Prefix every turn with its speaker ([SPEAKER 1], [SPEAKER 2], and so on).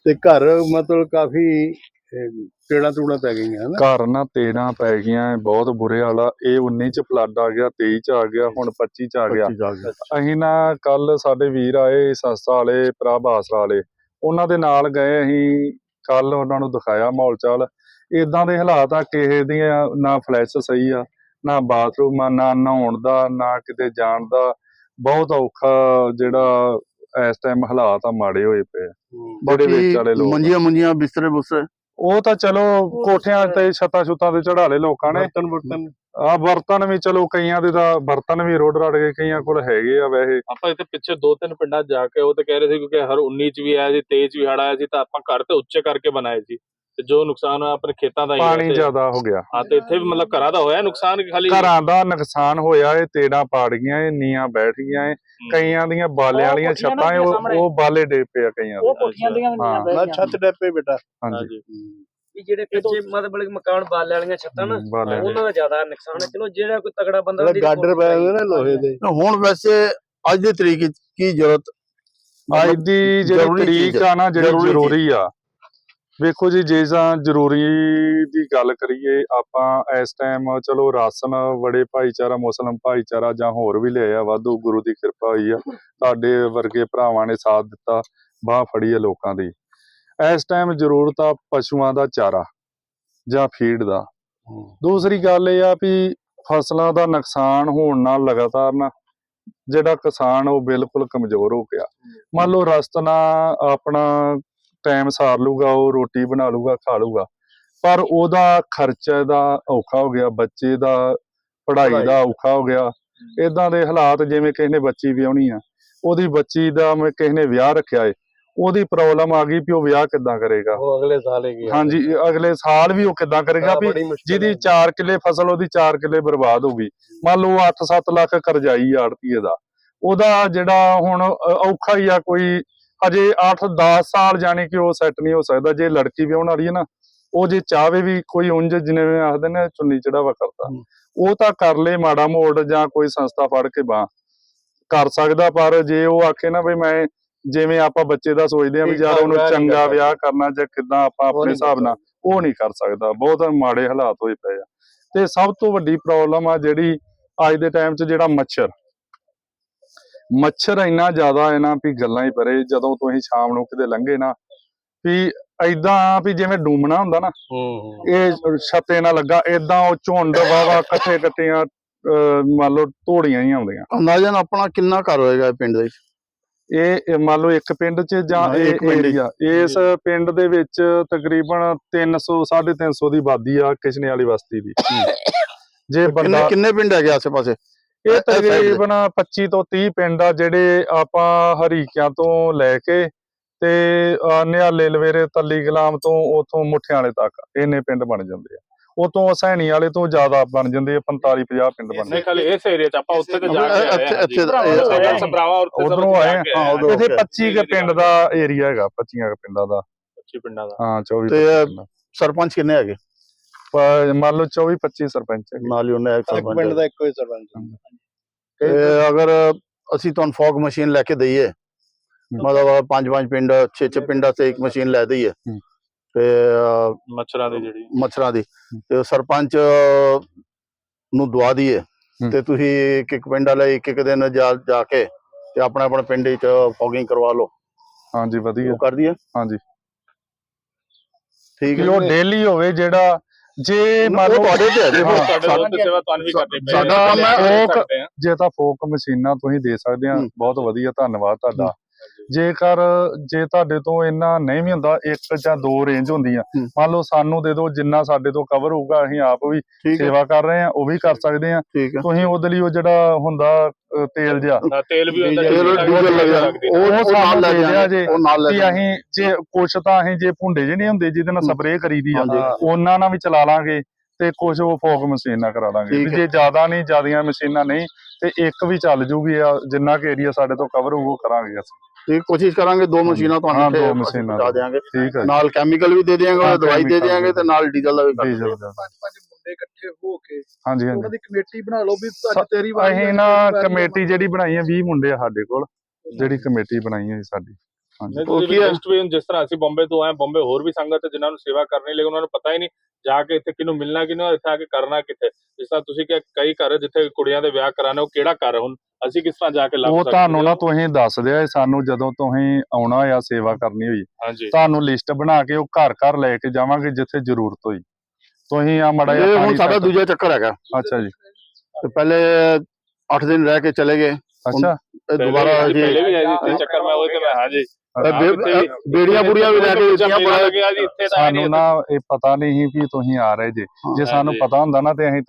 [SPEAKER 1] ਤੇ ਘਰ ਮਤਲਬ ਕਾਫੀ ਟੇੜਾਂ ਟੂੜਾਂ ਪੈ ਗਈਆਂ ਹਨਾ।
[SPEAKER 2] ਘਰ ਨਾ ਤੇੜਾਂ ਪੈ ਗਈਆਂ, ਬਹੁਤ ਬੁਰੇ ਹਾਲ ਆ। ਇਹ 19 ਚ ਫਲੱਡ ਆ ਗਿਆ, 23 ਚ ਆ ਗਿਆ, ਹੁਣ 25 ਚ ਆ ਗਿਆ। ਅਸੀਂ ਨਾ ਕੱਲ ਸਾਡੇ ਵੀਰ ਆਏ ਸੰਸਥਾ ਵਾਲੇ, ਭਰਾ ਬਾਸਰਾ ਵਾਲੇ, ਉਹਨਾਂ ਦੇ ਨਾਲ ਗਏ। ਅਸੀਂ ਕੱਲ ਉਹਨਾਂ ਨੂੰ ਦਿਖਾਇਆ ਮਾਹੌਲ ਚਾਲ। ਇਦਾਂ ਦੇ ਹਾਲਾਤ ਆ, ਕਿਸੇ ਦੀਆਂ ਨਾ ਫਲੈਸ਼ ਸਹੀ ਆ, ਨਾ ਬਾਥਰੂਮ ਆ, ਨਾ ਨਹਾਉਣ ਦਾ, ਨਾ ਕਿਤੇ ਜਾਣ ਦਾ। ਬਹੁਤ ਔਖਾ ਜਿਹੜਾ ਇਸ ਟਾਈਮ ਹਾਲਾਤ ਆ, ਮਾੜੇ ਹੋਏ ਪਏ। ਜਿਹੜੇ ਵਿੱਚ ਵਾਲੇ ਲੋਕ
[SPEAKER 3] ਮੰਜੀਆਂ ਬਿਸਤਰੇ ਬੁਸਰੇ
[SPEAKER 2] ਉਹ ਤਾਂ ਚਲੋ ਕੋਠਿਆਂ ਤੇ ਛੱਤਾਂ ਛੁੱਤਾਂ ਤੇ ਚੜਾ ਲਏ ਲੋਕਾਂ ਨੇ। ਬਰਤਨ ਵੀ ਚਲੋ ਕਈਆਂ ਦੇ ਤਾਂ ਬਰਤਨ ਵੀ ਰੁੜ ਰੜ ਗਏ, ਕਈਆਂ ਕੋਲ ਹੈਗੇ ਆ। ਵੈਸੇ
[SPEAKER 4] ਆਪਾਂ ਇੱਥੇ ਪਿੱਛੇ 2-3 ਪਿੰਡਾਂ ਜਾ ਕੇ ਉਹ ਤੇ ਕਹਿ ਰਹੇ ਸੀ ਕਿਉਂਕਿ ਹਰ 19 ਚ ਵੀ ਆਇਆ ਸੀ, 23 ਚ ਵੀ ਹੜ ਆਇਆ ਸੀ, ਤਾਂ ਆਪਾਂ ਘਰ ਤੇ ਉੱਚੇ ਕਰਕੇ ਬਣਾਏ ਸੀ ਤੇ ਜੋ ਨੁਕਸਾਨ ਹੋਇਆ ਆਪਣੇ ਖੇਤਾਂ ਦਾ ਹੀ
[SPEAKER 2] ਪਾਣੀ ਜ਼ਿਆਦਾ ਹੋ ਗਿਆ।
[SPEAKER 4] ਹਾਂ, ਤੇ ਇੱਥੇ ਵੀ ਮਤਲਬ ਘਰਾਂ ਦਾ ਹੋਇਆ ਨੁਕਸਾਨ ਕਿ ਖਾਲੀ
[SPEAKER 2] ਘਰਾਂ ਦਾ ਨੁਕਸਾਨ ਹੋਇਆ। ਇਹ ਤੇੜਾਂ ਪਾੜ ਗਈਆਂ, ਇਹ ਨੀਆਂ ਬੈਠ ਗਈਆਂ, ਕਈਆਂ ਦੀਆਂ ਬਾਲਿਆਂ ਵਾਲੀਆਂ ਛੱਤਾਂ ਉਹ ਬਾਲੇ ਡੇ ਪਏ ਆ ਕਈਆਂ ਦੇ।
[SPEAKER 1] ਹਾਂ ਛੱਤ ਡੱਪੇ ਬੇਟਾ।
[SPEAKER 2] ਹਾਂਜੀ
[SPEAKER 5] ਜਿਹੜੇ ਪਿੱਛੇ ਮਤਲਬ ਮਕਾਨ ਬਾਲੇ ਵਾਲੀਆਂ ਛੱਤਾਂ ਨਾ, ਉਹਨਾਂ ਦਾ ਜ਼ਿਆਦਾ ਨੁਕਸਾਨ ਹੈ। ਚਲੋ ਜਿਹੜਾ ਕੋਈ ਤਗੜਾ ਬੰਦਾ
[SPEAKER 1] ਗਾਡਰ ਪਏ ਹੋਏ ਨਾ ਲੋਹੇ ਦੇ।
[SPEAKER 3] ਹੁਣ ਵੈਸੇ ਅੱਜ ਦੀ ਤਰੀਕ ਕੀ ਜ਼ਰੂਰਤ,
[SPEAKER 2] ਅੱਜ ਦੀ ਜਿਹੜੀ ਤਰੀਕ ਆ ਨਾ, ਜਿਹੜੀ ਜ਼ਰੂਰੀ ਆ। ਵੇਖੋ ਜੀ, ਜੇ ਤਾਂ ਜ਼ਰੂਰੀ ਦੀ ਗੱਲ ਕਰੀਏ ਆਪਾਂ ਇਸ ਟਾਈਮ, ਚਲੋ ਰਾਸ਼ਨ ਬੜੇ ਭਾਈਚਾਰਾ, ਮੁਸਲਿਮ ਭਾਈਚਾਰਾ ਜਾਂ ਹੋਰ ਵੀ ਲਿਆ ਵਾਧੂ, ਗੁਰੂ ਦੀ ਕਿਰਪਾ ਹੋਈ ਆ। ਤੁਹਾਡੇ ਵਰਗੇ ਭਰਾਵਾਂ ਨੇ ਸਾਥ ਦਿੱਤਾ, ਬਾਂਹ ਫੜੀ ਆ ਲੋਕਾਂ ਦੀ। ਇਸ ਟਾਈਮ ਜ਼ਰੂਰਤ ਆ ਪਸ਼ੂਆਂ ਦਾ ਚਾਰਾ ਜਾਂ ਫੀਡ ਦਾ। ਦੂਸਰੀ ਗੱਲ ਇਹ ਆ ਵੀ ਫਸਲਾਂ ਦਾ ਨੁਕਸਾਨ ਹੋਣ ਨਾਲ ਲਗਾਤਾਰ ਨਾ ਜਿਹੜਾ ਕਿਸਾਨ ਉਹ ਬਿਲਕੁਲ ਕਮਜ਼ੋਰ ਹੋ ਗਿਆ। ਮੰਨ ਲਓ ਰਸਤ ਨਾਲ ਆਪਣਾ ਟਾਈਮ ਸਾਰ ਲੂਗਾ, ਉਹ ਰੋਟੀ ਬਣਾ ਲੂਗਾ, ਖਾ ਲੂਗਾ, ਪਰ ਉਹਦਾ ਖਰਚਾ ਦਾ ਔਖਾ ਹੋ ਗਿਆ, ਬੱਚੇ ਦਾ ਪੜ੍ਹਾਈ ਦਾ ਔਖਾ ਹੋ ਗਿਆ। ਇਦਾਂ ਦੇ ਹਾਲਾਤ, ਜਿਵੇਂ ਕਿਸੇ ਨੇ ਬੱਚੀ ਵਿਆਹਣੀ ਆ, ਉਹਦੀ ਬੱਚੀ ਦਾ ਕਿਸੇ ਨੇ ਵਿਆਹ ਰੱਖਿਆ ਏ, ਉਹਦੀ ਪ੍ਰੋਬਲਮ ਆ ਗਈ ਵੀ ਉਹ ਵਿਆਹ ਕਿੱਦਾਂ ਕਰੇਗਾ।
[SPEAKER 1] ਉਹ ਅਗਲੇ ਸਾਲ ਹੀ
[SPEAKER 2] ਹਾਂਜੀ, ਅਗਲੇ ਸਾਲ ਵੀ ਉਹ ਕਿੱਦਾਂ ਕਰੇਗਾ ਵੀ ਜਿਹਦੀ 4 ਕਿੱਲੇ ਫਸਲ, ਉਹਦੀ 4 ਕਿੱਲੇ ਬਰਬਾਦ ਹੋ ਗਈ। ਮੰਨ ਲਓ 8-7 ਲੱਖ ਕਰਜ਼ਾਈ ਆੜਤੀਏ ਦਾ, ਉਹਦਾ ਜਿਹੜਾ ਹੁਣ ਔਖਾ ਹੀ ਆ। ਕੋਈ ਅਜੇ 8-10 ਸਾਲ ਜਾਣੀ ਕਿ ਉਹ ਸੈੱਟ ਨਹੀਂ ਹੋ ਸਕਦਾ। ਜੇ ਲੜਕੀ ਵਿਆਹੁਣ ਵਾਲੀ ਹੈ ਨਾ, ਉਹ ਜੇ ਚਾਹਵੇ ਵੀ ਕੋਈ ਉਂਝ ਜਿਵੇਂ ਆਖਦੇ ਨੇ ਚੁੰਨੀ ਚੜਾਵਾ ਕਰਦਾ, ਉਹ ਤਾਂ ਕਰ ਲੇ ਮਾੜਾ ਮੋੜ, ਜਾਂ ਕੋਈ ਸੰਸਥਾ ਫੜ ਕੇ ਬਾਂਹ ਕਰ ਸਕਦਾ। ਪਰ ਜੇ ਉਹ ਆਖੇ ਨਾ ਵੀ ਮੈਂ, ਜਿਵੇਂ ਆਪਾਂ ਬੱਚੇ ਦਾ ਸੋਚਦੇ ਆ ਵੀ ਯਾਰ ਉਹਨੂੰ ਚੰਗਾ ਵਿਆਹ ਕਰਨਾ ਜਾਂ ਕਿੱਦਾਂ ਆਪਾਂ ਆਪਣੇ ਹਿਸਾਬ ਨਾਲ, ਉਹ ਨਹੀਂ ਕਰ ਸਕਦਾ। ਬਹੁਤ ਮਾੜੇ ਹਾਲਾਤ ਹੋਏ ਪਏ ਆ। ਤੇ ਸਭ ਤੋਂ ਵੱਡੀ ਪ੍ਰੋਬਲਮ ਆ ਜਿਹੜੀ ਅੱਜ ਦੇ ਟਾਈਮ 'ਚ, ਜਿਹੜਾ ਮੱਛਰ ਇੰਨਾ ਜ਼ਿਆਦਾ ਹੈ ਨਾ ਵੀ ਗੱਲਾਂ ਹੀ ਪਰੇ। ਜਦੋਂ ਤੁਸੀਂ ਸ਼ਾਮ ਨੂੰ ਕਿਤੇ ਲੰਘੇ ਨਾ, ਵੀ ਏਦਾਂ ਵੀ ਜਿਵੇਂ ਡੂਮਣਾ ਹੁੰਦਾ ਨਾ, ਇਹ ਛੱਤੇ ਨਾਲ ਲੱਗਾ ਏਦਾਂ, ਉਹ ਝੁੰਡ ਵਾਵਾ ਇਕੱਠੀਆਂ ਮੰਨ ਲਓ ਧੋੜੀਆਂ ਹੀ ਆਉਂਦੀਆਂ।
[SPEAKER 3] ਅੰਦਾਜ਼ਨ ਆਪਣਾ ਕਿੰਨਾ ਘਰ ਹੋਏਗਾ ਪਿੰਡ ਦੇ ਵਿੱਚ?
[SPEAKER 2] ਇਹ ਮੰਨ ਲਓ ਇੱਕ ਪਿੰਡ 'ਚ ਜਾਂ ਇਹ ਏਰੀਆ, ਇਸ ਪਿੰਡ ਦੇ ਵਿੱਚ ਤਕਰੀਬਨ 300-350 ਦੀ ਆਬਾਦੀ ਆ ਕਿਸ਼ਨੇ ਵਾਲੀ ਬਸਤੀ ਦੀ। ਜੇ ਬੰਦਾ
[SPEAKER 3] ਕਿੰਨੇ ਪਿੰਡ ਹੈਗੇ ਆਸੇ ਪਾਸੇ?
[SPEAKER 2] ਇਹ ਤਕਰੀਬਨ 25 ਤੋਂ 30 ਪਿੰਡ ਆ, ਜਿਹੜੇ ਆਪਾਂ ਹਰੀਕਿਆਂ ਤੋਂ ਲੈ ਕੇ ਤੇ ਨਿਹਾਲੇ, ਲਵੇਰੇ, ਤੱਲੀ ਗੁਲਾਮ ਤੋਂ ਉਥੋਂ ਮੁੱਠਿਆਂ ਵਾਲੇ ਤੱਕ ਇੰਨੇ ਪਿੰਡ ਬਣ ਜਾਂਦੇ ਆ। ਉਤੋਂ ਸੈਣੀ ਵਾਲੇ ਤੋਂ ਜ਼ਿਆਦਾ ਬਣ ਜਾਂਦੇ ਆ, 45-50 ਪਿੰਡ ਬਣਦੇ।
[SPEAKER 4] ਨਹੀਂ ਖਾਲੀ ਇਸ ਏਰੀਆ 'ਚ ਆਪਾਂ ਉੱਥੇ ਤੇ ਜਾ ਕੇ
[SPEAKER 2] ਉਧਰੋਂ ਆਏ ਆ। ਇੱਥੇ 25 ਕੁ ਪਿੰਡ ਦਾ ਏਰੀਆ ਹੈਗਾ, 25 ਪਿੰਡਾਂ ਦਾ।
[SPEAKER 4] 25 ਪਿੰਡਾਂ ਦਾ।
[SPEAKER 2] ਹਾਂ, 24
[SPEAKER 3] ਸਰਪੰਚ ਕਿੰਨੇ ਹੈਗੇ?
[SPEAKER 2] ਮੰਨ ਲਓ 24-25 ਸਰਪੰਚ ਹੈਗੇ।
[SPEAKER 3] ਨਾਲ ਹੀ ਉਹਨੇ
[SPEAKER 1] ਇੱਕ ਪਿੰਡ ਦਾ ਇੱਕੋ ਹੀ ਸਰਪੰਚ।
[SPEAKER 3] ਅਗਰ ਅਸੀਂ ਤੁਹਾਨੂੰ ਫੌਗ ਮਸ਼ੀਨ ਲੈ ਕੇ ਦਈਏ, ਮਤਲਬ 5-5 ਪਿੰਡ, 6 ਪਿੰਡਾਂ ਤੇ ਇੱਕ ਮਸ਼ੀਨ ਲੈ ਦਈਏ, ਤੇ ਮੱਛਰਾਂ ਦੀ ਤੇ ਸਰਪੰਚ ਨੂੰ ਦਵਾ ਦਈਏ, ਤੇ ਤੁਸੀਂ ਇੱਕ ਪਿੰਡ ਵਾਲੇ ਇੱਕ ਦਿਨ ਜਾ ਕੇ ਤੇ ਆਪਣਾ ਪਿੰਡ ਵਿੱਚ ਫੌਗਿੰਗ ਕਰਵਾ ਲਓ।
[SPEAKER 2] ਹਾਂਜੀ, ਵਧੀਆ
[SPEAKER 3] ਕਰ ਦਈਏ।
[SPEAKER 2] ਹਾਂਜੀ,
[SPEAKER 3] ਠੀਕ ਹੈ।
[SPEAKER 2] ਉਹ ਡੇਲੀ ਹੋਵੇ ਜਿਹੜਾ, ਜੇ ਮੰਨ ਲਓ
[SPEAKER 4] ਤੁਹਾਡੇ ਤੇ ਸੇਵਾ ਤੁਹਾਨੂੰ ਵੀ ਕਰਨੀ ਪਈ।
[SPEAKER 2] ਸਾਡਾ ਕੰਮ ਹੈ, ਜੇ ਤਾਂ ਫੋਕ ਮਸ਼ੀਨਾਂ ਤੁਸੀਂ ਦੇ ਸਕਦੇ ਆ, ਬਹੁਤ ਵਧੀਆ, ਧੰਨਵਾਦ ਤੁਹਾਡਾ। ਜੇ ਤੁਹਾਡੇ ਤੋਂ ਇੰਨਾ ਨਹੀਂ ਵੀ ਹੁੰਦਾ, 1 ਜਾਂ 2 ਰੇਂਜ ਹੁੰਦੀਆਂ, ਮੰਨ ਲਓ ਸਾਨੂੰ ਦੇ ਦਿਓ, ਜਿੰਨਾ ਸਾਡੇ ਤੋਂ ਕਵਰ ਹੋਊਗਾ। ਅਸੀਂ ਆਪ ਵੀ ਸੇਵਾ ਕਰ ਰਹੇ ਆ, ਉਹ ਵੀ ਕਰ ਸਕਦੇ ਆ। ਤੁਸੀਂ ਉਹਦੇ ਲਈ ਉਹ ਜਿਹੜਾ ਹੁੰਦਾ ਤੇਲ ਜਿਹਾ,
[SPEAKER 4] ਤੇਲ ਵੀ ਹੁੰਦਾ,
[SPEAKER 2] ਉਹ ਸਾਨੂੰ ਦੇ ਦਿਆ ਜੇ। ਅਸੀਂ ਜੇ ਕੁਛ ਤਾਂ ਅਸੀਂ ਜੇ ਭੁੰਡੇ ਜਿਹੇ ਨਹੀਂ ਹੁੰਦੇ ਜਿਹਦੇ ਨਾਲ ਸਪਰੇਅ ਕਰੀਦੀ ਆ, ਉਹਨਾਂ ਨਾਲ ਵੀ ਚਲਾ ਲਾਂਗੇ, ਤੇ ਕੁਛ ਉਹ ਫੋਕ ਮਸ਼ੀਨ ਨਾਲ ਕਰਾ ਦਾਂਗੇ। ਜੇ ਜ਼ਿਆਦਾ ਨਹੀਂ, ਜ਼ਿਆਦੀਆਂ ਮਸ਼ੀਨਾਂ ਨਹੀਂ, ਤੇ ਇੱਕ ਵੀ ਚੱਲ ਜੂਗੀ। ਜਿੰਨਾ ਕੁ ਏਰੀਆ ਸਾਡੇ ਤੋਂ ਕਵਰ ਹੋਊ, ਉਹ ਕਰਾਂਗੇ ਅਸੀਂ।
[SPEAKER 3] ਕੋਸ਼ਿਸ਼ ਕਰਾਂਗੇ 2 ਮਸ਼ੀਨਾਂ ਤੁਹਾਨੂੰ ਪਹੁੰਚਾ ਦੇਵਾਂਗੇ, ਨਾਲ ਕੈਮੀਕਲ ਵੀ ਦੇ ਦਿਆਂਗੇ, ਦਵਾਈ ਦੇ ਦਿਆਂਗੇ, ਤੇ ਨਾਲ ਡੀਜ਼ਲ ਦਾ ਵੀ ਕਰ ਦਿਆਂਗੇ।
[SPEAKER 1] 5 ਮੁੰਡੇ ਇਕੱਠੇ ਹੋ ਕੇ
[SPEAKER 2] ਹਾਂਜੀ,
[SPEAKER 1] ਉਹਨਾਂ ਦੀ ਕਮੇਟੀ ਬਣਾ ਲਓ ਵੀ ਤੇਰੀ ਵਾਰੀ।
[SPEAKER 2] ਅਸੀਂ ਨਾ ਕਮੇਟੀ ਜਿਹੜੀ ਬਣਾਈ ਹੈ, 20 ਮੁੰਡੇ ਆ ਸਾਡੇ ਕੋਲ, ਜਿਹੜੀ ਕਮੇਟੀ ਬਣਾਈ ਹੈ ਸਾਡੀ। ਹਾਂਜੀ
[SPEAKER 3] ਉਹ ਕੀ ਹੈ?
[SPEAKER 4] ਵੀ ਹੁਣ ਜਿਸ ਤਰ੍ਹਾਂ ਅਸੀਂ ਬੰਬੇ ਤੋਂ ਆਏ, ਬੰਬੇ ਹੋਰ ਵੀ ਸੰਗਤ ਹੈ ਜਿਨ੍ਹਾਂ ਨੂੰ ਸੇਵਾ ਕਰਨੀ, ਲੇਕਿਨ ਉਹਨਾਂ ਨੂੰ ਪਤਾ ਹੀ ਨਹੀਂ ਜਾ ਕੇ ਇੱਥੇ ਕਿਹਨੂੰ ਮਿਲਣਾ, ਕਿਹਨੂੰ ਇੱਥੇ ਆ ਕੇ ਕਰਨਾ ਕਿੱਥੇ। ਜਿਸ ਤਰ੍ਹਾਂ ਤੁਸੀਂ ਕਿਹਾ ਕਈ ਘਰ ਜਿੱਥੇ ਕੁੜੀਆਂ ਦੇ ਵਿਆਹ ਕਰਾਣੇ, ਉਹ ਕਿਹੜਾ ਘਰ ਹੁਣ ਅਸੀਂ ਕਿਸ ਤਰ੍ਹਾਂ ਜਾ ਕੇ ਲੱਭ
[SPEAKER 2] ਉਹ
[SPEAKER 4] ਸਕਦੇ
[SPEAKER 2] ਤੁਹਾਨੂੰ ਨਾ
[SPEAKER 4] ਹਾਂ?
[SPEAKER 2] ਤੁਸੀਂ ਦੱਸ ਦਿਆ ਸਾਨੂੰ, ਜਦੋਂ ਤੁਸੀਂ ਆਉਣਾ ਆ ਸੇਵਾ ਕਰਨੀ ਹੋਈ
[SPEAKER 4] ਹਾਂਜੀ
[SPEAKER 2] ਤੁਹਾਨੂੰ ਲਿਸਟ ਬਣਾ ਕੇ ਉਹ ਘਰ ਘਰ ਲੈ ਕੇ ਜਾਵਾਂਗੇ ਜਿੱਥੇ ਜ਼ਰੂਰਤ ਹੋਈ। ਤੁਸੀਂ ਆ ਮੜਾ
[SPEAKER 3] ਇਹ
[SPEAKER 2] ਜਿਹਾ
[SPEAKER 3] ਹੁਣ
[SPEAKER 2] ਪਾਣੀ
[SPEAKER 3] ਸਾਡਾ
[SPEAKER 2] ਛੱਡ-
[SPEAKER 3] ਦੂਜਾ ਚੱਕਰ ਹੈਗਾ।
[SPEAKER 2] ਅੱਛਾ ਜੀ,
[SPEAKER 3] ਤੇ ਪਹਿਲੇ 8 ਦਿਨ ਰਹਿ ਕੇ ਚਲੇ ਗਏ,
[SPEAKER 2] ਅੱਛਾ
[SPEAKER 3] ਇਹ ਦੁਬਾਰਾ
[SPEAKER 4] ਪਹਿਲੇ
[SPEAKER 3] ਜੀ
[SPEAKER 4] ਵੀ ਆਏ ਜੀ ਇੱਥੇ ਚੱਕਰ, ਮੈਂ ਉਹੀ ਤੇ ਮੈਂ ਹਾਂਜੀ
[SPEAKER 3] ਬੇੜੀਆਂ ਬੁੜੀਆਂ ਵੀ ਲੈ ਕੇ ਦਿੱਤੀਆਂ,
[SPEAKER 4] ਮੇਲਾ ਲੱਗਿਆ ਜੀ ਇੱਥੇ ਤਾਂ
[SPEAKER 2] ਸਾਨੂੰ ਨਾ ਇਹ ਪਤਾ ਨਹੀਂ ਸੀ ਵੀ ਤੁਸੀਂ ਆ ਰਹੇ ਜੇ। ਜੇ ਸਾਨੂੰ
[SPEAKER 4] ਹਾਂਜੀ।
[SPEAKER 2] ਪਤਾ ਹੁੰਦਾ ਨਾ ਤੇ ਅਸੀਂ